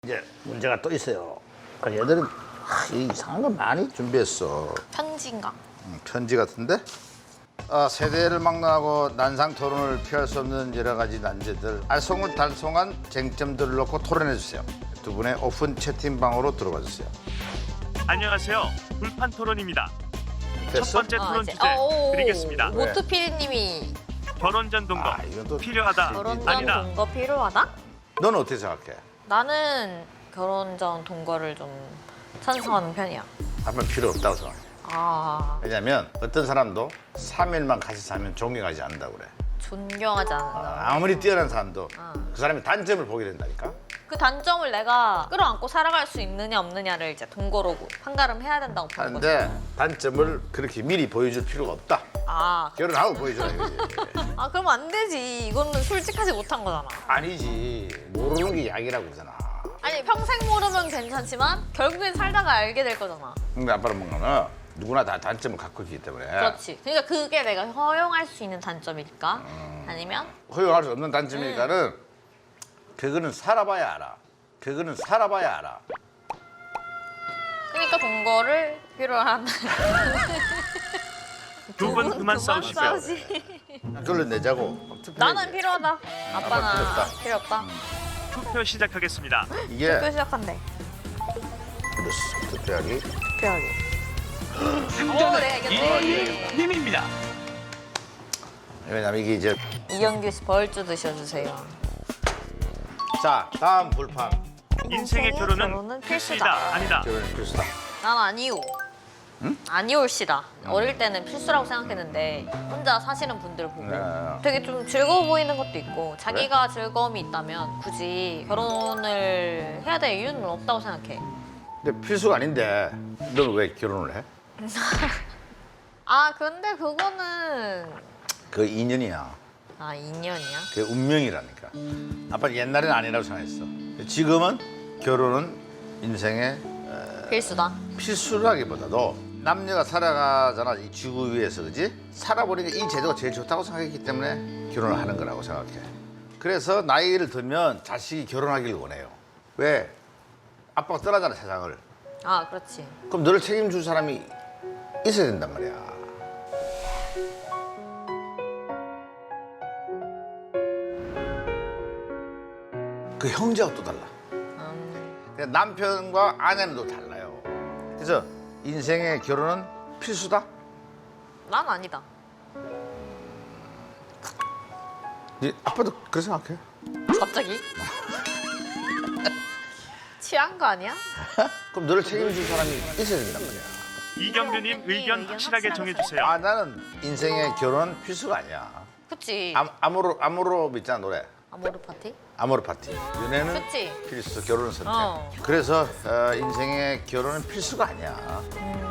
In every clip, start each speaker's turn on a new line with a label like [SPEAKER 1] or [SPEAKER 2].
[SPEAKER 1] 이제 문제가 또 있어요. 얘들은 이상한 거 많이 준비했어.
[SPEAKER 2] 편지인가?
[SPEAKER 1] 편지 같은데? 세대를 막론하고 난상 토론을 피할 수 없는 여러 가지 난제들, 알쏭달쏭한 쟁점들을 놓고 토론해 주세요. 두 분의 오픈 채팅방으로 들어와 주세요.
[SPEAKER 3] 안녕하세요. 불판 토론입니다.
[SPEAKER 1] 됐어?
[SPEAKER 3] 첫 번째 토론
[SPEAKER 2] 이제.
[SPEAKER 3] 주제 드리겠습니다.
[SPEAKER 2] 모트 PD님이
[SPEAKER 3] 결혼 전 동거
[SPEAKER 1] 이건 또
[SPEAKER 3] 필요하다.
[SPEAKER 2] 결혼 전
[SPEAKER 3] 아니다.
[SPEAKER 2] 동거 필요하다?
[SPEAKER 1] 너는 어떻게 생각해?
[SPEAKER 2] 나는 결혼 전 동거를 좀 찬성하는 편이야.
[SPEAKER 1] 아빠 필요 없다고 생각해. 왜냐면 어떤 사람도 3일만 같이 살면 존경하지 않는다고 그래.
[SPEAKER 2] 존경하지 않는다.
[SPEAKER 1] 아무리 뛰어난 사람도 그 사람의 단점을 보게 된다니까.
[SPEAKER 2] 그 단점을 내가 끌어안고 살아갈 수 있느냐 없느냐를 이제 동거로 판가름해야 된다고 보는 거지.
[SPEAKER 1] 하는데 단점을 그렇게 미리 보여줄 필요가 없다. 결혼하고 보여줘라 이거지.
[SPEAKER 2] 그러면 안 되지. 이거는 솔직하지 못한 거잖아.
[SPEAKER 1] 아니지. 모르는 게 약이라고 그러잖아.
[SPEAKER 2] 아니 평생 모르면 괜찮지만 결국엔 살다가 알게 될 거잖아.
[SPEAKER 1] 근데 아빠는 뭔가는 누구나 다 단점을 갖고 있기 때문에
[SPEAKER 2] 그렇지. 그러니까 그게 내가 허용할 수 있는 단점일까? 아니면
[SPEAKER 1] 허용할 수 없는 단점이니까는 그거는 살아봐야 알아. 그거는 살아봐야 알아.
[SPEAKER 2] 그러니까 동거를 필요한다.
[SPEAKER 3] 두 분 그만 싸우시고요.
[SPEAKER 1] 그걸로 내자고.
[SPEAKER 2] 나는 필요하다. 아빠는
[SPEAKER 1] 필요 없다.
[SPEAKER 2] 필요 없다.
[SPEAKER 3] 투표 시작하겠습니다.
[SPEAKER 1] 이게
[SPEAKER 2] 또 시작한대.
[SPEAKER 1] 그렇어. 투표하기.
[SPEAKER 2] 필요하게. 내가 이겼네.
[SPEAKER 3] 님입니다.
[SPEAKER 1] 왜냐면 이게 이제
[SPEAKER 2] 이영규 씨 벌주 드셔주세요.
[SPEAKER 1] 자 다음 불판.
[SPEAKER 3] 인생의 결혼은 필수이다. 아니다.
[SPEAKER 1] 결혼이 필수다.
[SPEAKER 2] 난 아니오. 아니올시다. 어릴 때는 필수라고 생각했는데 혼자 사시는 분들 보고
[SPEAKER 1] 네.
[SPEAKER 2] 되게 좀 즐거워 보이는 것도 있고 자기가 즐거움이 있다면 굳이 결혼을 해야 될 이유는 없다고 생각해.
[SPEAKER 1] 근데 필수가 아닌데 너는 왜 결혼을 해?
[SPEAKER 2] 근데 그거는
[SPEAKER 1] 그 인연이야.
[SPEAKER 2] 인연이야?
[SPEAKER 1] 그게 운명이라니까. 아빠는 옛날에는 아니라고 생각했어. 지금은 결혼은 인생의
[SPEAKER 2] 필수다.
[SPEAKER 1] 필수라기보다도 남녀가 살아가잖아 이 지구 위에서, 그지? 살아보니까 이 제도가 제일 좋다고 생각했기 때문에 결혼을 하는 거라고 생각해. 그래서 나이를 들면 자식이 결혼하기를 원해요. 왜? 아빠가 떠나잖아 세상을.
[SPEAKER 2] 그렇지.
[SPEAKER 1] 그럼 너를 책임줄 사람이 있어야 된단 말이야. 그 형제가 또 달라. 그러니까 남편과 아내는 또 달라요. 그래서 인생의 결혼은 필수다?
[SPEAKER 2] 난 아니다.
[SPEAKER 1] 아빠도 그렇게 생각해?
[SPEAKER 2] 갑자기? 취한 거 아니야?
[SPEAKER 1] 그럼 너를 책임줄 사람이 있어야 된단 말이야.
[SPEAKER 3] 이경규님 의견 확실하게 정해주세요.
[SPEAKER 1] 나는 인생의 결혼은 필수가 아니야.
[SPEAKER 2] 그치.
[SPEAKER 1] 아모로 있잖아 노래.
[SPEAKER 2] 아모르 파티?
[SPEAKER 1] 아모르 파티. 연애는
[SPEAKER 2] 그치.
[SPEAKER 1] 필수, 결혼은 선택.
[SPEAKER 2] 어.
[SPEAKER 1] 그래서 인생의 결혼은 필수가 아니야.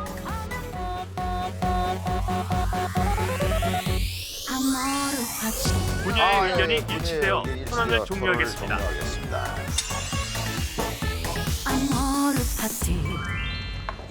[SPEAKER 3] 분야의 의견이
[SPEAKER 1] 분야의
[SPEAKER 3] 일치되어
[SPEAKER 1] 의견이
[SPEAKER 3] 토론을
[SPEAKER 1] 일치되어
[SPEAKER 3] 종료하겠습니다.
[SPEAKER 1] 종료하겠습니다.
[SPEAKER 4] Amore Party.